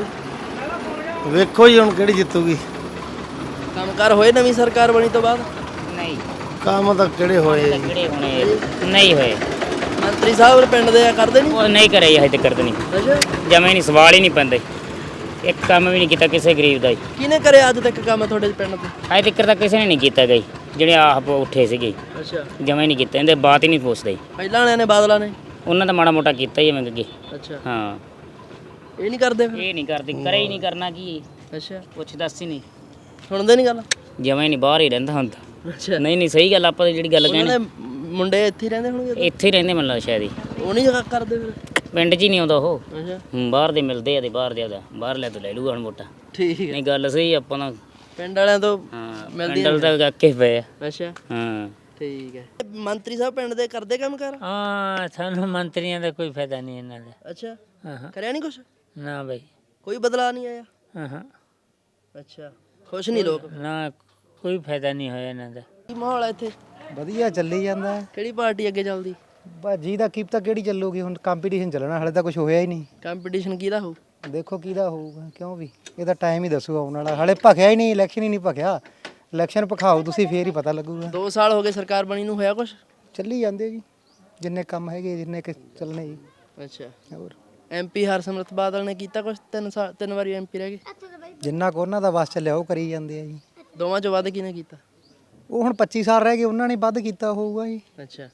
ਵੇਖੋ ਜੀ ਹੁਣ ਕਿਹੜੀ ਜਿੱਤੂਗੀ। ਕੰਮਕਾਰ ਹੋਏ ਨਵੀਂ ਸਰਕਾਰ ਬਣੀ ਤੋਂ ਬਾਅਦ? ਨਹੀਂ, ਕੰਮ ਤਾਂ ਕਿਹੜੇ ਹੋਏ? ਕਿਹੜੇ ਹੋਣੇ ਨਹੀਂ ਹੋਏ। ਮੰਤਰੀ ਸਾਹਿਬ ਪਿੰਡ ਦੇ ਆ ਕਰਦੇ ਨਹੀਂ? ਉਹ ਨਹੀਂ ਕਰੇ ਹਜੇ ਤੱਕ ਨਹੀਂ, ਅੱਛਾ, ਜਮੇ ਨਹੀਂ, ਸਵਾਲ ਹੀ ਨਹੀਂ ਪੈਂਦੇ। ਇੱਕ ਕੰਮ ਵੀ ਨਹੀਂ ਕੀਤਾ ਕਿਸੇ ਗਰੀਬ ਦਾ ਜੀ। ਕਿਹਨੇ ਕਰਿਆ ਅੱਜ ਤੱਕ ਕੰਮ ਤੁਹਾਡੇ ਪਿੰਡ ਤੇ? ਅਜੇ ਤੱਕ ਤਾਂ ਕਿਸੇ ਨੇ ਨਹੀਂ ਕੀਤਾ ਗਈ, ਜਿਹੜੇ ਆਪ ਉੱਠੇ ਸੀਗੇ ਅੱਛਾ, ਜਮਾਂ ਹੀ ਨਹੀਂ ਕੀਤਾ, ਇਹਦੇ ਬਾਤ ਹੀ ਨਹੀਂ ਪੁੱਛਦੇ ਜੀ। ਪਹਿਲਾਂ ਵਾਲਿਆਂ ਨੇ ਬਾਦਲਾਂ ਨੇ? ਉਹਨਾਂ ਦਾ ਮਾੜਾ ਮੋਟਾ ਕੀਤਾ ਹੀ ਐਵੇਂ ਅੱਗੇ। ਅੱਛਾ, ਹਾਂ ਇਹ ਨਹੀਂ ਕਰਦੇ ਫਿਰ? ਇਹ ਨਹੀਂ ਕਰਦੇ, ਕਰੇ ਹੀ ਨਹੀਂ, ਕਰਨਾ ਕੀ, ਅੱਛਾ, ਪੁੱਛ ਦੱਸ ਹੀ ਨਹੀਂ, ਸੁਣਦੇ ਨਹੀਂ ਗੱਲ? ਜਮਾਂ ਹੀ ਨਹੀਂ, ਬਾਹਰ ਹੀ ਰਹਿੰਦਾ ਹੁਣ ਤਾਂ। ਅੱਛਾ, ਨਹੀਂ ਨਹੀਂ ਸਹੀ ਗੱਲ, ਆਪਾਂ ਤਾਂ ਜਿਹੜੀ ਗੱਲ ਉਹਨਾਂ ਕਹਿਣੀ ਦੇ ਮੁੰਡੇ ਇੱਥੇ ਹੀ ਰਹਿੰਦੇ ਹੋਣਗੇ? ਇੱਥੇ ਹੀ ਰਹਿੰਦੇ ਮੈਨੂੰ ਲੱਗਦਾ ਸ਼ਾਇਦ ਹੀ, ਉਹ ਨਹੀਂ ਕਰਦੇ ਫਿਰ? ਪਿੰਡ 'ਚ ਹੀ ਨਹੀਂ ਆਉਂਦਾ ਉਹ। ਅੱਛਾ, ਬਾਹਰ ਦੇ ਮਿਲਦੇ ਆ ਤੇ ਬਾਹਰ ਦੇ ਆਦਾ, ਬਾਹਰ ਲੈ ਤੋਂ ਲੈ ਲੂਗਾ ਹੁਣ ਮੋਟਾ। ਠੀਕ ਹੈ। ਨਹੀਂ ਗੱਲ ਸਹੀ, ਆਪਾਂ ਤਾਂ ਪਿੰਡ ਵਾਲਿਆਂ ਤੋਂ ਹਾਂ ਮਿਲਦੀ ਪਿੰਡ ਵਾਲੇ ਤਾਂ ਅੱਕੇ ਪਏ ਆ। ਅੱਛਾ, ਹਾਂ ਠੀਕ ਹੈ। ਮੰਤਰੀ ਸਾਹਿਬ ਪਿੰਡ ਦੇ ਕਰਦੇ ਕੰਮ ਕਰ? ਹਾਂ ਸਾਨੂੰ ਮੰਤਰੀਆਂ ਦਾ ਕੋਈ ਫਾਇਦਾ ਨਹੀਂ ਇਹਨਾਂ ਦਾ। ਅੱਛਾ, ਹਾਂ ਕਰਿਆ ਨਹੀਂ ਕੁਛ? ਨਾ ਬਈ, ਕੋਈ ਬਦਲਾਅ ਨਹੀਂ ਆਇਆ? ਹਾਂ ਅੱਛਾ, ਖੁਸ਼ ਨਹੀਂ ਲੋਕ? ਨਾ ਕੋਈ ਫਾਇਦਾ ਨਹੀਂ ਹੋਇਆ ਇਹਨਾਂ ਦਾ। ਕੀ ਮਾਹੌਲ ਹੈ ਇੱਥੇ? ਵਧੀਆ ਚੱਲੀ ਜਾਂਦਾ ਹੈ। ਕਿਹੜੀ ਪਾਰਟੀ ਅੱਗੇ ਚੱਲਦੀ? ਬਾਜੀ ਦਾ ਕੀ ਪਤਾ ਕਿਹੜੀ ਚੱਲੂਗੀ, ਹੁਣ ਕੰਪੀਟੀਸ਼ਨ ਚੱਲਣਾ, ਹਲੇ ਤਾਂ ਕੁਝ ਹੋਇਆ ਹੀ ਨਹੀਂ। ਕੰਪੀਟੀਸ਼ਨ ਕਿਹਦਾ ਹੋਊ? ਦੇਖੋ ਕਿਹਦਾ ਹੋਊਗਾ, ਕਿਉਂ ਵੀ ਇਹਦਾ ਟਾਈਮ ਹੀ ਦੱਸੂਗਾ ਆਉਣ ਵਾਲਾ, ਹਲੇ ਭਖਿਆ ਹੀ ਨਹੀਂ, ਇਲੈਕਸ਼ਨ ਹੀ ਨਹੀਂ ਭਖਿਆ। ਇਲੈਕਸ਼ਨ ਭਖਾਓ ਤੁਸੀਂ, ਫੇਰ ਹੀ ਪਤਾ ਲੱਗੂਗਾ। 2 ਸਾਲ ਹੋ ਗਏ ਸਰਕਾਰ ਬਣੀ ਨੂੰ, ਹੋਇਆ ਕੁਛ? ਚੱਲੀ ਜਾਂਦੇ ਜੀ, ਜਿੰਨੇ ਕੰਮ ਹੈਗੇ ਜਿੰਨੇ ਕਿ ਚੱਲਣੇ ਜੀ। ਅੱਛਾ, ਹੋਰ ਐਮਪੀ ਹਰਸਿਮਰਤ ਬਾਦਲ ਨੇ ਕੀਤਾ ਕੁਛ? 3 ਵਾਰੀ ਐਮਪੀ ਰਹਿ ਗਏ। ਜਿੰਨਾ ਕੋ ਉਹਨਾਂ ਦਾ ਵਸ ਚੱਲਿਆ ਉਹ ਕਰੀ ਜਾਂਦੇ ਆ ਜੀ। ਦੋਵਾਂ ਚੋਂ ਵੱਧ ਕਿਹਨੇ ਕੀਤਾ? ਉਹ ਹੁਣ 25 ਸਾਲ ਰਹਿ ਗਏ, ਉਹਨਾਂ ਨੇ ਵੱਧ ਕੀਤਾ ਹੋਊਗਾ ਜੀ। ਅੱਛਾ,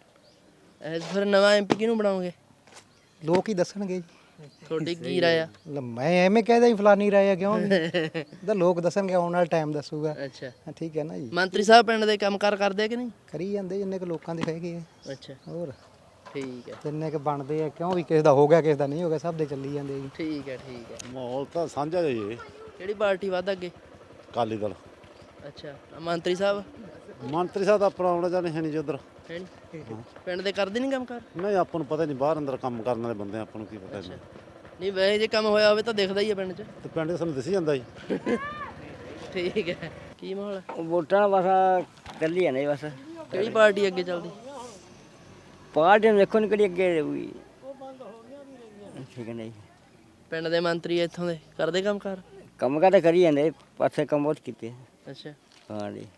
ਇਹ ਫਿਰ ਨਵਾਂ ਐਮਪੀ ਕਿਹਨੂੰ ਬਣਾਓਗੇ? ਲੋਕ ਹੀ ਦੱਸਣਗੇ ਜੀ। ਤੁਹਾਡੀ ਕੀ ਰਾਏ ਆ? ਮੈਂ ਐਵੇਂ ਕਹਿਦਾ ਹੀ ਫਲਾਨੀ ਰਾਏ ਆ, ਕਿਉਂ ਵੀ ਇਹਦਾ ਲੋਕ ਦੱਸਣਗੇ, ਆਉਣ ਵਾਲਾ ਟਾਈਮ ਦੱਸੂਗਾ। ਅੱਛਾ, ਹਾਂ, ਠੀਕ ਹੈ ਨਾ ਜੀ। ਮੰਤਰੀ ਸਾਹਿਬ ਪਿੰਡ ਦੇ ਕੰਮਕਾਰ ਕਰਦੇ ਆ ਕਿ ਨਹੀਂ? ਕਰੀ ਜਾਂਦੇ ਜਿੰਨੇ ਕੁ ਲੋਕਾਂ ਦੇ ਹੈਗੇ ਆ। ਅੱਛਾ, ਹੋਰ ਠੀਕ ਹੈ, ਜਿੰਨੇ ਕੁ ਬਣਦੇ ਆ, ਕਿਉਂ ਵੀ ਕਿਸੇ ਦਾ ਹੋ ਗਿਆ ਕਿਸੇ ਦਾ ਨਹੀਂ ਹੋ ਗਿਆ, ਸਭ ਦੇ ਚੱਲੀ ਜਾਂਦੇ ਜੀ। ਠੀਕ ਹੈ, ਠੀਕ ਹੈ। ਮਾਹੌਲ ਤਾਂ ਸਾਂਝਾ ਜੀ, ਕਿਹੜੀ ਪਾਰਟੀ ਵੱਧ ਅੱਗੇ? ਅਕਾਲੀ ਦਲ। ਅੱਛਾ, ਮੰਤਰੀ ਸਾਹਿਬ ਮੰਤਰੀ ਸਾਹਿਬ ਦਾ ਆਪਣਾ ਆਉਣਾ ਜਾਣੇ ਹੈ ਨਹੀਂ ਜੀ ਉਧਰ। ਹੈ ਨਹੀਂ? ਪਿੰਡ ਦੇ ਕਰਦੇ ਨਹੀਂ ਕੰਮਕਾਰ? ਨਹੀਂ ਆਪਾਂ ਨੂੰ ਪਤਾ ਨਹੀਂ, ਬਾਹਰ ਅੰਦਰ ਕੰਮ ਕਰਨ ਵਾਲੇ ਬੰਦੇ, ਆਪਾਂ ਨੂੰ ਕੀ ਪਤਾ ਜੀ। ਨਹੀਂ ਵੈਸੇ ਜੇ ਕੰਮ ਹੋਇਆ ਹੋਵੇ ਤਾਂ ਦਿਖਦਾ ਹੀ ਹੈ ਪਿੰਡ 'ਚ। ਤੇ ਪਿੰਡ ਦੇ ਸਾਨੂੰ ਦਿਸ ਜਾਂਦਾ ਜੀ। ਠੀਕ ਹੈ। ਕੀ ਮਾਹੌਲ ਹੈ? ਵੋਟਾਂ ਬਸ ਚੱਲੀ ਜਾਂਦੇ ਬਸ, ਕਿਹੜੀ ਪਾਰਟੀ ਅੱਗੇ ਚੱਲਦੀ? ਪਾਰਟੀ ਨੂੰ ਦੇਖੋ ਨੀ ਕਿਹੜੀ ਅੱਗੇ ਰਹੂਗੀ। ਠੀਕ ਹੈ ਨਹੀਂ, ਪਿੰਡ ਦੇ ਮੰਤਰੀ ਇੱਥੋਂ ਦੇ ਕਰਦੇ ਕੰਮਕਾਰ? ਕੰਮ ਤਾਂ ਕਰੀ ਜਾਂਦੇ, ਪਾਸੇ ਕੰਮ ਬਹੁਤ ਕੀਤੇ। ਅੱਛਾ, ਹਾਂ ਜੀ,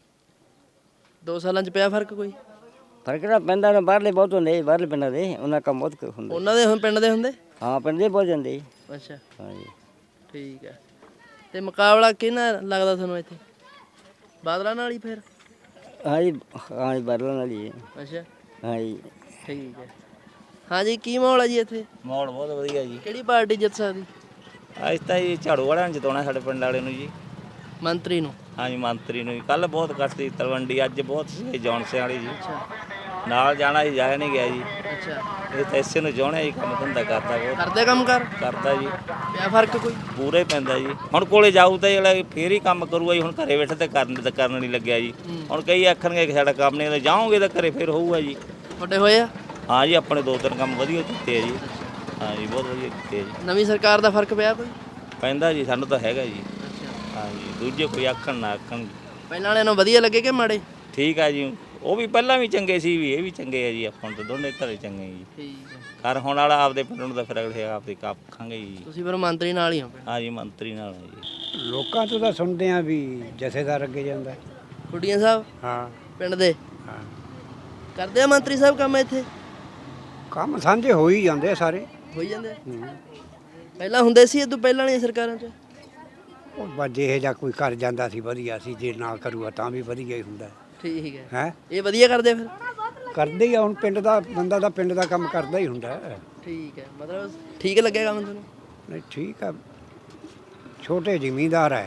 2 ਸਾਲਾਂ 'ਚ ਪਿਆ ਫਰਕ ਕੋਈ? ਫਰਕ ਤਾਂ ਪੈਂਦਾ ਨਾ, ਬਾਹਰਲੇ ਬਹੁਤ ਹੁੰਦੇ, ਬਾਹਰਲੇ ਪਿੰਡਾਂ ਦੇ ਉਹਨਾਂ ਕੰਮ ਬਹੁਤ ਹੁੰਦਾ। ਉਹਨਾਂ ਦੇ ਹੁਣ ਪਿੰਡ ਦੇ ਹੁੰਦੇ? ਹਾਂ ਪਿੰਡ ਦੇ ਬਹੁਤ ਜਾਂਦੇ ਜੀ। ਅੱਛਾ, ਹਾਂ ਜੀ, ਠੀਕ ਹੈ। ਤੇ ਮੁਕਾਬਲਾ ਕਿਹਨਾਂ ਲੱਗਦਾ ਤੁਹਾਨੂੰ ਇੱਥੇ? ਬਾਦਲਾਂ ਨਾਲ ਹੀ ਫਿਰ? ਹਾਂ ਜੀ, ਹਾਂ ਜੀ ਬਾਦਲਾਂ ਨਾਲ ਹੀ ਹੈ। ਅੱਛਾ, ਹਾਂ ਜੀ, ਠੀਕ ਹੈ। ਹਾਂਜੀ, ਕੀ ਮਾਹੌਲ ਹੈ ਜੀ ਇੱਥੇ? ਮਾਹੌਲ ਬਹੁਤ ਵਧੀਆ ਜੀ। ਕਿਹੜੀ ਪਾਰਟੀ ਜਿੱਤ ਸਕਦੀ? ਅੱਜ ਤਾਂ ਜੀ ਝਾੜੂ ਵਾਲਿਆਂ ਨੂੰ ਜਿਤਾਉਣਾ, ਸਾਡੇ ਪਿੰਡ ਵਾਲੇ ਨੂੰ ਜੀ। ਮੰਤਰੀ ਨੂੰ? ਹਾਂਜੀ ਮੰਤਰੀ ਨੂੰ। ਕੱਲ ਬਹੁਤ ਘੱਟ ਸੀ ਤਲਵੰਡੀ, ਅੱਜ ਬਹੁਤ ਸੀ ਜੌਨਸੇ ਵਾਲੀ ਜੀ। ਨਾਲ ਜਾਣਾ ਜੀ, ਜਾਇਆ ਨਹੀਂ ਗਿਆ ਜੀ। ਅੱਛਾ, ਇਹ ਤਾਂ ਇਸੇ ਨੂੰ ਚਾਹੁੰਦੇ ਜੀ, ਕੰਮ ਧੰਦਾ ਕਰਦਾ ਬਹੁਤ ਕਰਦੇ ਕੰਮ ਕਰ? ਕਰਦਾ ਜੀ, ਪਿਆ ਫਰਕ ਕੋਈ? ਪੂਰਾ ਹੀ ਪੈਂਦਾ ਜੀ। ਹੁਣ ਕੋਲੇ ਜਾਊ ਤਾਂ ਜਿਹੜਾ ਫੇਰ ਹੀ ਕੰਮ ਕਰੂਗਾ ਜੀ, ਹੁਣ ਘਰੇ ਬੈਠੇ ਤੇ ਕਰਨ ਨਹੀਂ ਲੱਗਿਆ ਜੀ। ਹੁਣ ਕਈ ਆਖਣਗੇ ਕਿ ਸਾਡਾ ਕੰਮ ਨਹੀਂ, ਜਾਓਗੇ ਤਾਂ ਘਰੇ ਫੇਰ ਹੋਊਗਾ ਜੀ। ਤੁਹਾਡੇ ਹੋਏ ਆ? ਹਾਂ ਜੀ, ਆਪਣੇ 2-3 ਕੰਮ ਵਧੀਆ ਕੀਤੇ ਆ ਜੀ। ਹਾਂ ਜੀ, ਬਹੁਤ ਵਧੀਆ ਕੀਤੇ ਆ ਜੀ। ਨਵੀਂ ਸਰਕਾਰ ਦਾ ਫਰਕ ਪਿਆ ਕੋਈ? ਪੈਂਦਾ ਜੀ, ਸਾਨੂੰ ਤਾਂ ਹੈਗਾ ਜੀ। ਅੱਛਾ, ਹਾਂ ਜੀ, ਦੂਜੇ ਕੋਈ ਆਖਣ ਨਾ ਆਖਣ। ਪਹਿਲਾਂ ਵਾਲਿਆਂ ਨੂੰ ਵਧੀਆ ਲੱਗੇ ਕਿ ਮਾੜੇ? ਠੀਕ ਆ ਜੀ, ਉਹ ਵੀ ਪਹਿਲਾਂ ਵੀ ਚੰਗੇ ਸੀ, ਵੀ ਇਹ ਵੀ ਚੰਗੇ ਆ ਜੀ। ਆਪਾਂ ਨੂੰ ਤਾਂ ਦੋਨੇ ਧੜੇ ਚੰਗੇ ਜੀ। ਠੀਕ ਹੈ। ਘਰ ਹੋਣ ਵਾਲਾ ਆਪਦੇ ਪਿੰਡ ਨੂੰ ਤਾਂ ਫਿਰ ਅਗਲੇ ਆਪਦੇ ਖਾਂਗੇ ਜੀ। ਤੁਸੀਂ ਫਿਰ ਮੰਤਰੀ ਨਾਲ ਹੀ ਹੋ ਪਿੰਡ? ਹਾਂ ਜੀ, ਮੰਤਰੀ ਨਾਲ ਆ ਜੀ। ਲੋਕਾਂ ਤੋਂ ਤਾਂ ਸੁਣਦੇ ਆ ਵੀ ਜਥੇਦਾਰ ਅੱਗੇ ਜਾਂਦਾ। ਖੁੱਡੀਆਂ ਸਾਹਿਬ ਹਾਂ ਪਿੰਡ ਦੇ ਹਾਂ, ਕਰਦੇ ਆ ਮੰਤਰੀ ਸਾਹਿਬ ਕੰਮ ਇੱਥੇ? ਕੰਮ ਸਾਂਝੇ ਹੋ ਹੀ ਜਾਂਦੇ ਆ ਸਾਰੇ। ਹੋਈ ਜਾਂਦੇ ਆ? ਪਹਿਲਾਂ ਹੁੰਦੇ ਸੀ, ਇਦੋਂ ਪਹਿਲਾਂ ਵਾਲੀਆਂ ਸਰਕਾਰਾਂ 'ਚ? ਉਹ ਬਾਜੇ ਇਹ ਜਾਂ ਕੋਈ ਕਰ ਜਾਂਦਾ ਸੀ ਵਧੀਆ ਸੀ, ਜੇ ਨਾ ਕਰੂਗਾ ਤਾਂ ਵੀ ਵਧੀਆ ਹੀ ਹੁੰਦਾ ਠੀਕ ਹੈ। ਹੈ। ਇਹ ਵਧੀਆ ਕਰਦੇ ਫਿਰ? ਕਰਦੇ ਹੀ ਆ, ਹੁਣ ਪਿੰਡ ਦਾ ਬੰਦਾ ਦਾ ਪਿੰਡ ਦਾ ਕੰਮ ਕਰਦਾ ਹੀ ਹੁੰਦਾ ਹੈ। ਠੀਕ ਹੈ, ਮਤਲਬ ਠੀਕ ਲੱਗਿਆ ਕੰਮ ਤੁਹਾਨੂੰ? ਨਹੀਂ ਠੀਕ ਆ, ਛੋਟੇ ਜ਼ਿਮੀਂਦਾਰ ਹੈ,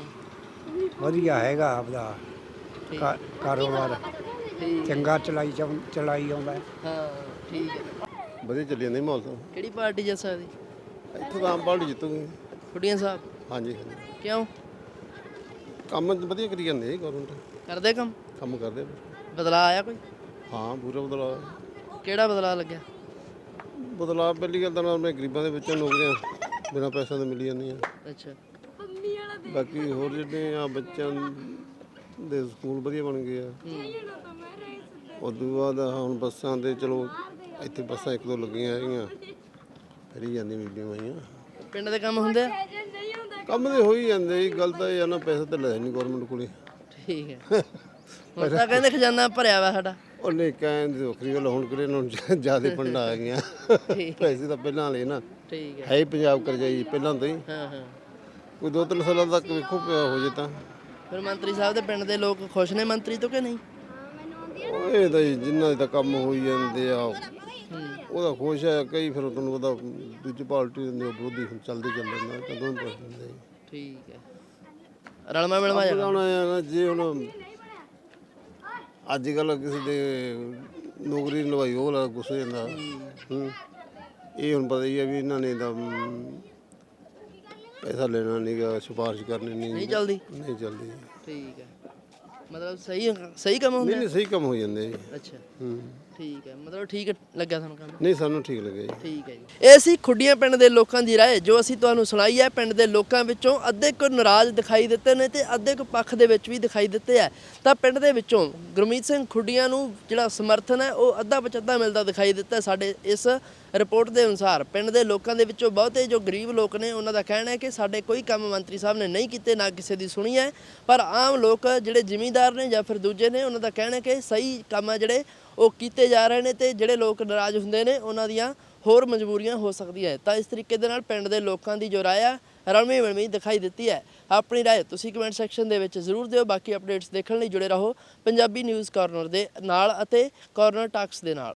ਵਧੀਆ ਹੈਗਾ ਆਪਦਾ ਕਾਰੋਬਾਰ, ਚੰਗਾ ਚਲਾਈ ਆਉਂਦਾ ਹੈ। ਹਾਂ, ਠੀਕ ਹੈ। ਵਧੀਆ ਚੱਲੀ ਜਾਂਦੀ ਮਾਹੌਲ ਤਾਂ। ਕਿਹੜੀ ਪਾਰਟੀ ਜਿੱਤ ਸਕਦੀ? ਇੱਥੋਂ ਤਾਂ ਆਮ ਪਾਰਟੀ ਜਿੱਤੂਗੀ। ਖੁੱਡੀਆਂ ਸਾਹਿਬ? ਹਾਂਜੀ, ਕਿਉਂ? ਕੰਮ ਵਧੀਆ ਕਰੀ ਜਾਂਦੇ ਗਵਰਨਮੈਂਟ, ਕਰਦੇ ਕੰਮ? ਕੰਮ ਕਰਦੇ। ਬਦਲਾਅ ਆਇਆ ਕੋਈ? ਹਾਂ, ਪੂਰਾ ਬਦਲਾਅ। ਕਿਹੜਾ ਬਦਲਾਅ ਲੱਗਿਆ? ਬਦਲਾਅ ਪਹਿਲੀ ਗੱਲ ਤਾਂ ਮੈਂ ਗਰੀਬਾਂ ਦੇ ਵਿੱਚੋਂ ਨੌਕਰੀਆਂ ਬਿਨਾਂ ਪੈਸਿਆਂ ਦੇ ਮਿਲੀ ਜਾਂਦੀਆਂ। ਅੱਛਾ, ਬਾਕੀ ਹੋਰ ਜਿਹੜੇ ਆ ਬੱਚਿਆਂ ਦੇ ਸਕੂਲ ਵਧੀਆ ਬਣ ਗਏ ਆ। ਉਦੋਂ ਬਾਅਦ ਹੁਣ ਬੱਸਾਂ ਦੇ ਚਲੋ ਇੱਥੇ ਬੱਸਾਂ 1-2 ਲੱਗੀਆਂ ਹੈਗੀਆਂ, ਫਰੀ ਜਾਂਦੀਆਂ ਬੀਬੀਆਂ ਆਈਆਂ। ਪਿੰਡ ਦੇ ਕੰਮ ਹੁੰਦੇ ਆ? ਕੰਮ ਦੇ ਹੋ ਹੀ ਜਾਂਦੇ ਜੀ, ਗੱਲ ਤਾਂ ਇਹ ਆ ਨਾ ਪੈਸਾ ਤਾਂ ਲੈ ਨਹੀਂ ਗਵਰਨਮੈਂਟ ਕੋਲੇ। ਠੀਕ ਹੈ। ਹੁਣ ਤਾਂ ਕਹਿੰਦੇ ਖਜ਼ਾਨਾ ਭਰਿਆ ਵਾ ਸਾਡਾ। ਉਹਨੇ ਕਹਿੰਦੇ ਵੱਖਰੀ ਗੱਲ, ਹੁਣ ਕਿਹੜੇ ਨੂੰ ਜ਼ਿਆਦਾ ਫੰਡਾਂ ਆ ਗਈਆਂ। ਪੈਸੇ ਤਾਂ ਪਹਿਲਾਂ ਵਾਲੇ ਨਾ। ਠੀਕ ਹੈ ਹੀ ਪੰਜਾਬ ਕਰਜਾਈ ਪਹਿਲਾਂ ਤੋਂ ਹੀ। ਹਾਂ ਹਾਂ ਕੋਈ 2-3 ਸਾਲਾਂ ਤੱਕ ਵੇਖੋ ਹੋ ਜੇ ਤਾਂ। ਫਿਰ ਮੰਤਰੀ ਸਾਹਿਬ ਦੇ ਪਿੰਡ ਦੇ ਲੋਕ ਖੁਸ਼ ਨੇ ਮੰਤਰੀ ਤੋਂ ਕਿ ਨਹੀਂ? ਇਹ ਤਾਂ ਜੀ ਜਿਨ੍ਹਾਂ ਦੇ ਤਾਂ ਕੰਮ ਹੋਈ ਜਾਂਦੇ ਆ ਉਹਦਾ ਖੁਸ਼ ਹੈ, ਕਈ ਫਿਰ ਤੁਹਾਨੂੰ ਪਤਾ ਦੂਜੀ ਪਾਰਟੀ ਦੇ ਵਿਰੋਧੀ ਚੱਲਦੇ ਚੱਲਦੇ ਨਾ ਕਦੋਂ ਪੁੱਛ ਦਿੰਦੇ। ਠੀਕ ਹੈ, ਰਲਮਾ ਮਿਲਮਾ ਜਾਣਾ। ਹੁਣ ਜੇ ਹੁਣ ਅੱਜ ਕੱਲ੍ਹ ਕਿਸੇ ਦੇ ਨੌਕਰੀ ਨਿਭਾਈ ਉਹ ਵਾਲਾ ਗੁੱਸੇ ਜਾਂਦਾ। ਇਹ ਹੁਣ ਪਤਾ ਹੀ ਹੈ ਵੀ ਇਹਨਾਂ ਨੇ ਤਾਂ ਪੈਸਾ ਲੈਣਾ ਨਹੀਂਗਾ, ਸਿਫਾਰਿਸ਼ ਕਰਨੀ ਨਹੀਂ ਚੱਲਦੀ। ਨਹੀਂ ਚੱਲਦੀ। ਠੀਕ ਹੈ, ਮਤਲਬ ਸਹੀ ਕੰਮ ਹੁੰਦਾ? ਨਹੀਂ ਸਹੀ ਕੰਮ ਹੋ ਜਾਂਦੇ ਜੀ। ਅੱਛਾ ਠੀਕ ਹੈ, ਮਤਲਬ ਠੀਕ ਲੱਗਿਆ ਤੁਹਾਨੂੰ ਕੰਮ? ਨਹੀਂ ਸਾਨੂੰ ਠੀਕ ਲੱਗਿਆ ਜੀ। ਠੀਕ ਹੈ ਜੀ। ਇਹ ਸੀ ਖੁੱਡੀਆਂ ਪਿੰਡ ਦੇ ਲੋਕਾਂ ਦੀ ਰਾਏ ਜੋ ਅਸੀਂ ਤੁਹਾਨੂੰ ਸੁਣਾਈ ਹੈ। ਪਿੰਡ ਦੇ ਲੋਕਾਂ ਵਿੱਚੋਂ ਅੱਧੇ ਕੁ ਨਾਰਾਜ਼ ਦਿਖਾਈ ਦਿੱਤੇ ਨੇ ਤੇ ਅੱਧੇ ਕੁ ਪੱਖ ਦੇ ਵਿੱਚ ਵੀ ਦਿਖਾਈ ਦਿੱਤੇ ਹੈ। ਤਾਂ ਪਿੰਡ ਦੇ ਵਿੱਚੋਂ ਗੁਰਮੀਤ ਸਿੰਘ ਖੁੱਡੀਆਂ ਨੂੰ ਜਿਹੜਾ ਸਮਰਥਨ ਹੈ ਉਹ ਅੱਧਾ ਪਚੱਧਾ ਮਿਲਦਾ ਦਿਖਾਈ ਦਿੱਤਾ ਸਾਡੇ ਇਸ ਰਿਪੋਰਟ ਦੇ ਅਨੁਸਾਰ। ਪਿੰਡ ਦੇ ਲੋਕਾਂ ਦੇ ਵਿੱਚੋਂ ਬਹੁਤੇ ਜੋ ਗਰੀਬ ਲੋਕ ਨੇ ਉਹਨਾਂ ਦਾ ਕਹਿਣਾ ਹੈ ਕਿ ਸਾਡੇ ਕੋਈ ਕੰਮ ਮੰਤਰੀ ਸਾਹਿਬ ਨੇ ਨਹੀਂ ਕੀਤੇ, ਨਾ ਕਿਸੇ ਦੀ ਸੁਣੀ ਹੈ। ਪਰ ਆਮ ਲੋਕ ਜਿਹੜੇ ਜ਼ਿਮੀਂਦਾਰ ਨੇ ਜਾਂ ਫਿਰ ਦੂਜੇ ਨੇ ਉਹਨਾਂ ਦਾ ਕਹਿਣਾ ਹੈ ਕਿ ਸਹੀ ਕੰਮ ਹੈ ਜਿਹੜੇ ਉਹ ਕੀਤੇ ਜਾ ਰਹੇ ਨੇ ਤੇ ਜਿਹੜੇ ਲੋਕ ਨਾਰਾਜ਼ ਹੁੰਦੇ ਨੇ ਉਹਨਾਂ ਦੀਆਂ ਹੋਰ ਮਜਬੂਰੀਆਂ ਹੋ ਸਕਦੀਆਂ। ਤਾਂ ਇਸ ਤਰੀਕੇ ਦੇ ਨਾਲ ਪਿੰਡ ਦੇ ਲੋਕਾਂ ਦੀ ਜੋ ਰਾਏ ਆ ਰਲਵੀਂ ਮਿਲਵੀਂ ਦਿਖਾਈ ਦਿੱਤੀ ਹੈ। ਆਪਣੀ ਰਾਏ ਤੁਸੀਂ ਕਮੈਂਟ ਸੈਕਸ਼ਨ ਦੇ ਵਿੱਚ ਜ਼ਰੂਰ ਦਿਓ। ਬਾਕੀ ਅਪਡੇਟਸ ਦੇਖਣ ਲਈ ਜੁੜੇ ਰਹੋ ਪੰਜਾਬੀ ਨਿਊਜ਼ ਕਾਰਨਰ ਦੇ ਨਾਲ ਅਤੇ ਕਾਰਨਰ ਟਾਕਸ ਦੇ ਨਾਲ।